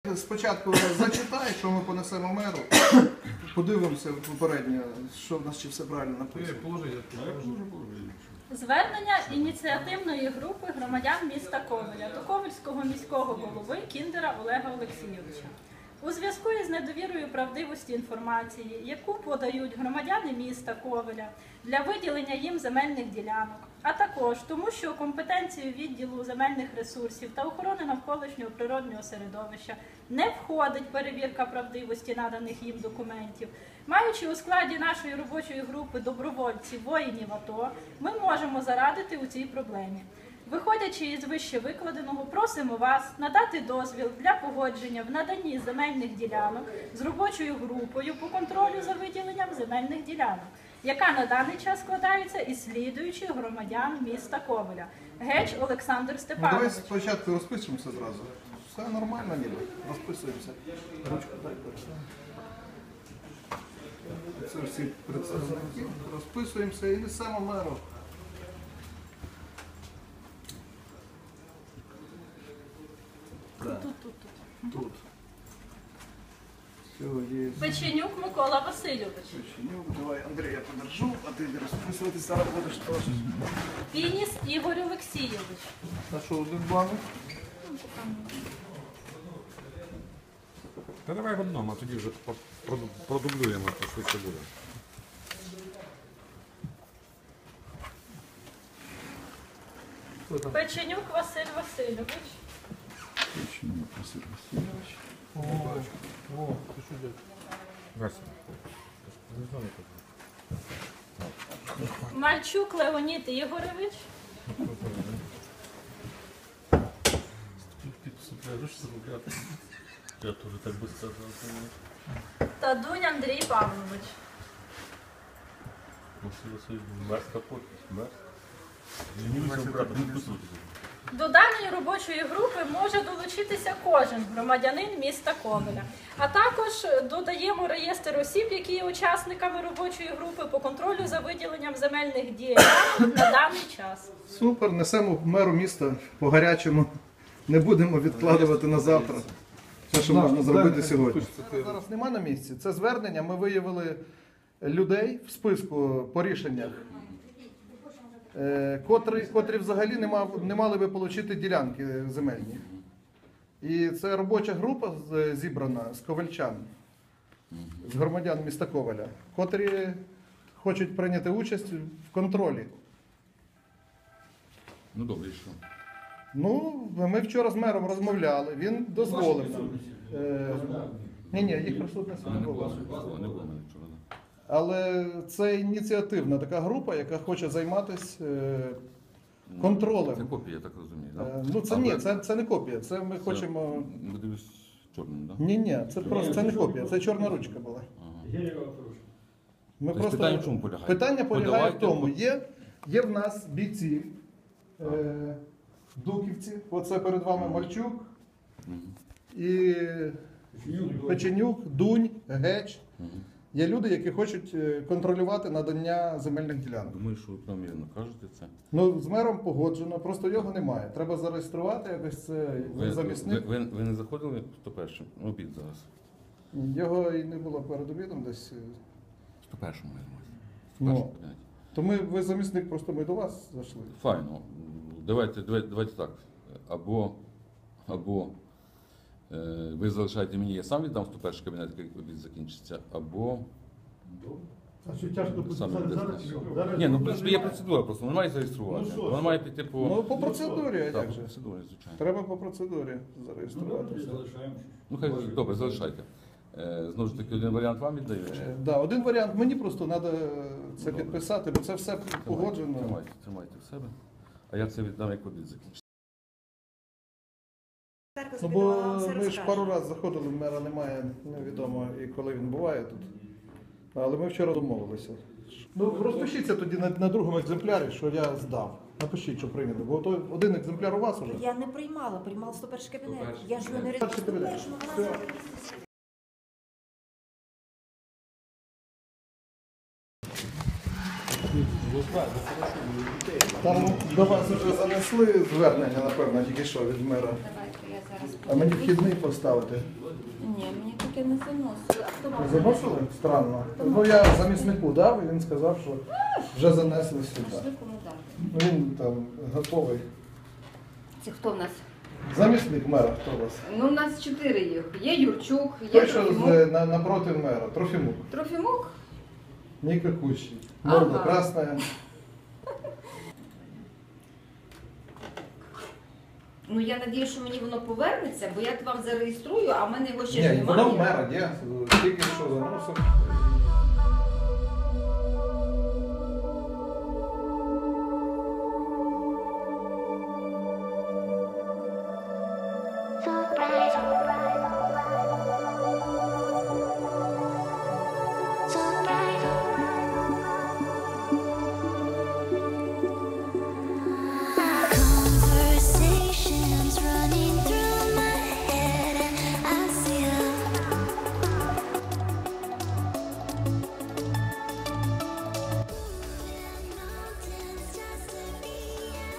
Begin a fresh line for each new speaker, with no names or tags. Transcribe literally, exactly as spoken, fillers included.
Спочатку зачитай, що ми понесемо меру, подивимося попередньо, що в нас чи все правильно написано.
Звернення ініціативної групи громадян міста Ковеля до Ковельського міського голови Кіндера Олега Олексійовича. У зв'язку із недовірою правдивості інформації, яку подають громадяни міста Ковеля для виділення їм земельних ділянок, а також тому, що компетенцію відділу земельних ресурсів та охорони навколишнього природнього середовища не входить перевірка правдивості наданих їм документів, маючи у складі нашої робочої групи добровольців воїнів АТО, ми можемо зарадити у цій проблемі. Виходячи із вище викладеного, просимо вас надати дозвіл для погодження в наданні земельних ділянок з робочою групою по контролю за виділенням земельних ділянок, яка на даний час складається із слідуючих громадян міста Ковеля. Геч Олександр
Ну,
Степанович.
давай спочатку розпишемося зразу. Все нормально ніби, розписуємося. Ручку дай. Це всі представники, розписуємося і несемо меру.
Тут, тут, тут.
Тут. Все, є.
Печенюк Микола Васильович.
Печенюк, давай, Андрій, я подержу, а ти розписуватися зараз будеш теж.
Пініс Ігор Олексійович.
А що, один бланк?
Та давай в одному, а тоді вже продублюємо, то швидше буде.
Печенюк Василь Васильович.
Печенюк Василь Васильович.
О, о, ти що дядь? Василь.
Мальчук Леонід Ігорович.
Я тоже так бы сказал.
Та Дунь Андрій Павлович.
Мерзко подпись, мерзко. Ленивый брат, не присутствует.
До даної робочої групи може долучитися кожен громадянин міста Ковеля. А також додаємо реєстр осіб, які є учасниками робочої групи по контролю за виділенням земельних ділянок на даний час.
Супер, несемо меру міста по гарячому. Не будемо відкладувати на завтра. Все, що можна зробити сьогодні. Зараз нема на місці. Це звернення. Ми виявили людей в списку по рішеннях, котрі, котрі взагалі не, мав, не мали би отримати ділянки земельні. І це робоча група зібрана з ковельчан, з громадян міста Ковеля, котрі хочуть прийняти участь в контролі.
Ну добре, і що?
Ну, ми вчора з мером розмовляли, він дозволив нам. Е, ні, ні, їх присутності не було.
Не було мене вчора.
Але це ініціативна така група, яка хоче займатися е, контролем.
Це копія, я так розумію, так?
Е, ну це ні, це, це не копія, це ми це, хочемо...
Ми дивимось чорним, так?
Ні, ні, це просто це не копія, це чорна ручка була.
Ага.
Ми
Тобто
просто...
питання в чому полягає?
Питання полягає
Подавайте,
в тому,
от-
є, є в нас бійці, е, дуківці, оце перед вами Мальчук,
Мгм.
і Печенюк, Дунь, Геч.
Мгм.
Є люди, які хочуть е, контролювати надання земельних ділянок.
Думаю, що ви правомірно кажете це.
Ну, з мером погоджено, просто його немає. Треба зареєструвати якось це
Ви,
замісник.
ви, ви, ви не заходили сто першим? Обід зараз.
Його і не було перед обідом десь.
сто першому, я думаю.
Ну.
сто першому поняття.
То ми, ви замісник, просто ми до вас зайшли.
Файно. Давайте, давайте, давайте так. Або, або е, ви залишаєте мені, я сам віддам сто перший кабінет, як обід закінчиться, або...
А що тяжко
Саме
зараз?
десь.
зараз- зараз-
Ні, ну в принципі є процедура, просто вона має зареєструвати.
Ну, що?
Вона має піти по...
Ну, по процедурі, а
Так,
як
по
же?
процедурі, звичайно.
Треба по процедурі зареєструвати.
Ну хай добре, залишайте. Е, знову ж таки, один варіант вам віддаю. чи-
Е, Да, один варіант, мені просто треба це підписати, бо це все погоджено.
Тримайте, тримайте в себе. А я це віддам, як обід закінчиться.
Ну, бо ми ж пару разів заходили, мера немає, невідомо і коли він буває тут. Але ми вчора домовилися. Ну, розпишіться тоді на, на другому екземплярі, що я здав. Напишіть, що прийнято. Бо то один екземпляр у вас уже.
Я не приймала, приймав сто перший кабінет.
сто перший
Я ж його не
Перший кабінет.
реєструвала.
Там до вас вже занесли. занесли звернення, напевно, тільки що від мера.
Давайте я зараз
А мені
подивлюсь.
вхідний поставити.
Ні, мені таке не заносили. А хто вам
Ви заносили? Странно. Ну я заміснику дав, і він сказав, що вже занесли сюди.
Пішли кому дати.
Ну він там готовий.
Це хто в нас?
Замісник мера, хто у вас?
Ну, у нас чотири їх. Є Юрчук, є
Той, що
Трофімук.
з, на, напроти мера. Трофімук.
Трофімук?
Никакущий. Морда
Ага.
красная.
Ну, я надію, що мені воно повернеться, бо я вам зареєструю, а в мене його ще ж
Ні,
немає.
воно в мера, є. Тільки що заносив.